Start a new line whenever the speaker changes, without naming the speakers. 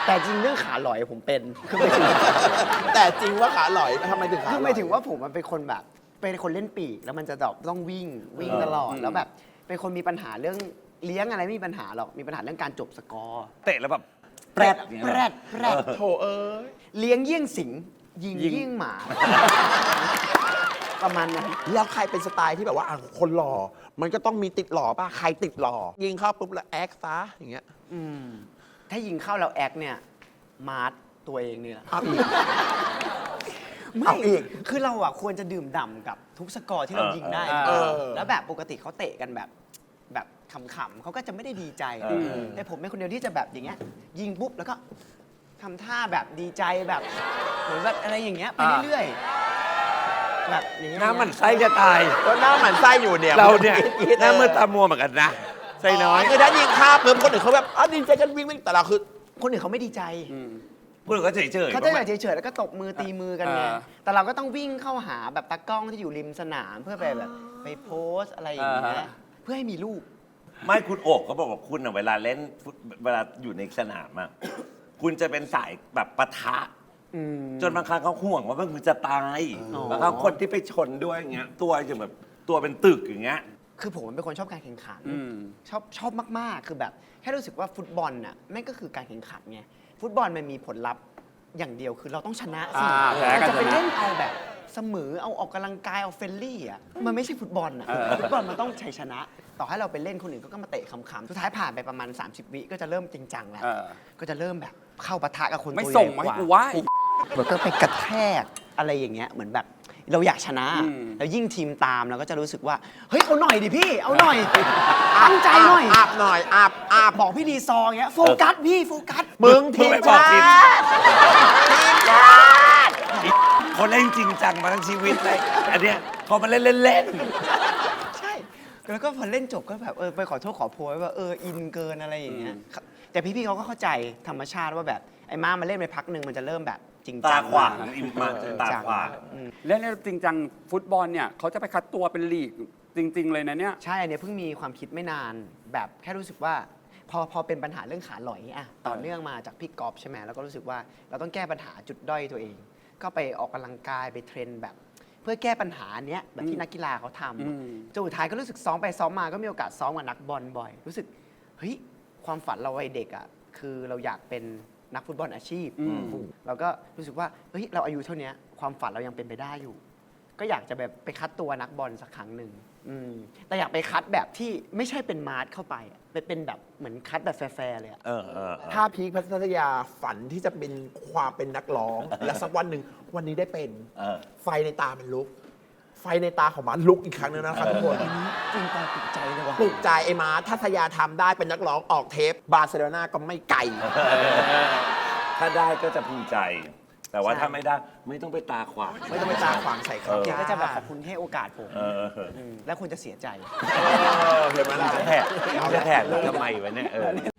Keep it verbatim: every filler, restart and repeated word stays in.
แต่จริงเรื่องขาหลอยผมเป็นคือไม่ถึง
แต่จริงว่าขาหลอยทำไมถึงขา
คือ
หล
ไม่
อย
ถึงว่าผมมันเป็นคนแบบเป็นคนเล่นปีกแล้วมันจะแบบต้องวิ่งวิ่งตลอดแล้วแบบเป็นคนมีปัญหาเรื่องเลี้ยงอะไรไม่มีปัญหาหรอกมีปัญหาเรื่องการจบสกอร์
เตะแล้วแบบ
แปรดแปรดแปรด
โถเอ้ย
เลี้ยงเยี่ยงสิงยิงเยี่ยงหมา ประมาณนั้น
แล้วใครเป็นสไตล์ที่แบบว่าอ่ะคนหล่อมันก็ต้องมีติดหล่อป่ะใครติดหล่อยิงเข้าปุ๊บแล้วแอคซะอย่างเงี้ย
อืมถ้ายิงเข้าแล้วแอคเนี่ยมาร์ทตัวเองเนี่ย
เอาอีก
ไม่
เอาอีก
คือเราอ่ะควรจะดื่มด่ำกับทุกสกอร์ที่เรายิงได้
เออ
แล้วแบบปกติเขาเตะกันแบบแบบขำๆเขาก็จะไม่ได้ดีใจ
เออ
แต่ผมเป็นคนเดียวที่จะแบบอย่างเงี้ยยิงปุ๊บแล้วก็ทำท่าแบบดีใจแบบเหมือนแบบอะไรอย่างเงี้ยไปเรื่อยๆแบบอย่างเงี้ย
น้ำมันไส้จะตาย
ก็หน้าหมันไส้อยู่เนี่ย
เราเนี่ย
คิดๆ
หน้ามือตามัวเหมือนกันนะไส้น้อย
คือถ้ายิงข้ามปุ๊บคนอื่นเขาแบบอ๋อดีใจกันวิ่งวิ่งแต่เราคือ
คนอื่นเขาไม่ดีใจ
พูดถึงก็เฉยเฉยๆ
เขาจะแบบเฉยๆแล้วก็ตบมือตีมือกันไง
เออ
แต่เราก็ต้องวิ่งเข้าหาแบบตากล้องที่อยู่ริมสนามเพื่อไปแบบไปโพสต์อะไรอย่างเงี้ยเพื่อให้มีรูป
ไม่คุณโอบเขาบอกว่าคุณอะเวลาเล่นฟุตเวลาอยู่ในสนามอะคุณจะเป็นสายแบบปะทะ จนบางครั้งเขาห่วงว่ามึงจะตาย
อ๋อ
บางครั้งคนที่ไปชนด้วยอย่างเงี้ยตัวจะแบบตัวเป็นตึกอย่างเงี้ย
คือผมเป็นคนชอบการแข่งขันชอบชอบมากๆ คือแบบแค่รู้สึกว่าฟุตบอลน่ะแม่งก็คือการแข่งขันไงฟุตบอลมันมีผลลัพธ์อย่างเดียวคือเราต้องชนะสิ
อ่าแพ้กัน
จะไป
ชนะ
เล่นเอาแบบเสมอเอาออกกำลังกายเอาเฟรนลี่อ่ะมันไม่ใช่ฟุตบอลอ่ะฟุตบอลมันต้องชัยชนะ ต่อให้เราไปเล่นคนอื่นก็มาเตะขำๆสุดท้ายผ่านไปประมาณ สามสิบ วิก็จะเริ่มจริงจังแล้ว
เออ
ก็จะเริ่มแบบเข้าปะทะกับคน
ไม่
ตัว
ส่ง
ใหญ่
มาให้
กว่า
กูไหว้
เหมือนก็ไปกระแทกอะไรอย่างเงี้ยเหมือนแบบเราอยากชนะ
อืม
แล้วยิ่งทีมตามเราก็จะรู้สึกว่าเฮ้ยเอาหน่อยดิพี่เอาหน่อยตั้งใจหน่อย
อาบหน่อยอาบอาบ
บอกพี่ดีซออย่างเงี้ยโฟกัสพี่โฟกัส
มึงทีม
มึงไปบอก
ชา
ทีม
ติ
เขาเล่นจริงจังมาทั้งชีวิตเลยอันเนี้ยพอมาเล่นเล่น
ใช่แล้วก็พอเล่นจบก็แบบเออไปขอโทษขอโพยว่าเอออินเกินอะไรอย่างเงี้ยครับแต่พี่ๆเขาก็เข้าใจธรรมชาติว่าแบบไอ้ม้ามาเล่นไปพักหนึ่งมันจะเริ่มแบบจริง
ๆ
จั
ตาง ขวางอิมมา
จริง
ตา
จัง
ขวาง
อืม
เล่นจริงจังฟุตบอลเนี่ยเขาจะไปคัดตัวเป็นลีกจริง ๆ เลยนะเนี่ย
ใช่อันเนี้ยเพิ่งมีความคิดไม่นานแบบแค่รู้สึกว่า พอพอเป็นปัญหาเรื่องขาหลอยอะต่อเนื่องมาจากพี่กอล์ฟใช่ไหมแล้วก็รู้สึกว่าเราต้องแก้ปัญหาจุดด้อยตัวเอง ก็ไปออกกำลังกายไปเทรนแบบ เพื่อแก้ปัญหาเนี้ยแบบที่นักกีฬาเขาท
อืม
ำจนสุดท้ายก็รู้สึกซ้อมไปซ้อมมาก็มีโอกาสซ้อมกับนักบอลบ่อย รู้สึกเฮ้ยความฝันเราวัยเด็กอะคือเราอยากเป็นนักฟุตบอลอาชีพ
อืม
เราก็รู้สึกว่าเฮ้ยเราอายุเท่านี้ความฝันเรายังเป็นไปได้อยู่ ก็อยากจะแบบไปคัดตัวนักบอลสักครั้งหนึ่งอืมแต่อยากไปคัดแบบที่ไม่ใช่เป็นมาร์ทเข้าไปอะไปเป็นแบบเหมือนคัดแบบแฟร์ๆเลยอะ
เออเออเออ
ถ้าพีคพัทยาฝันที่จะเป็นความเป็นนักร้อง และสักวันหนึ่งวันนี้ได้เป็น
เออ
ไฟในตามันลุก ไฟในตาของมันลุกอีกครั้งหนึงนะครับทุกคน
จริงตอนติดใจเลยว่ะ
ปลุกใจไอ้มาทัศยาทำได้เป็นนักร้องออกเทป บาร์เซโลนาก็ไม่ไกล
ถ้าได้ก็จะภูมิใจ แต่ว่า
ใช่
ถ้าไม่ได้ไม่ต้องไปตาขวาง
ไม่ต้องไปตาขวางใส่เขา
แกก็จะแบบขอบคุณที่ให้โอกาสผม
เออ
มแล้วคุณจะเสียใจ
เออเห็นไหมล่ะ
จะแถกจะแถกทำไมวะเนี่ยเออ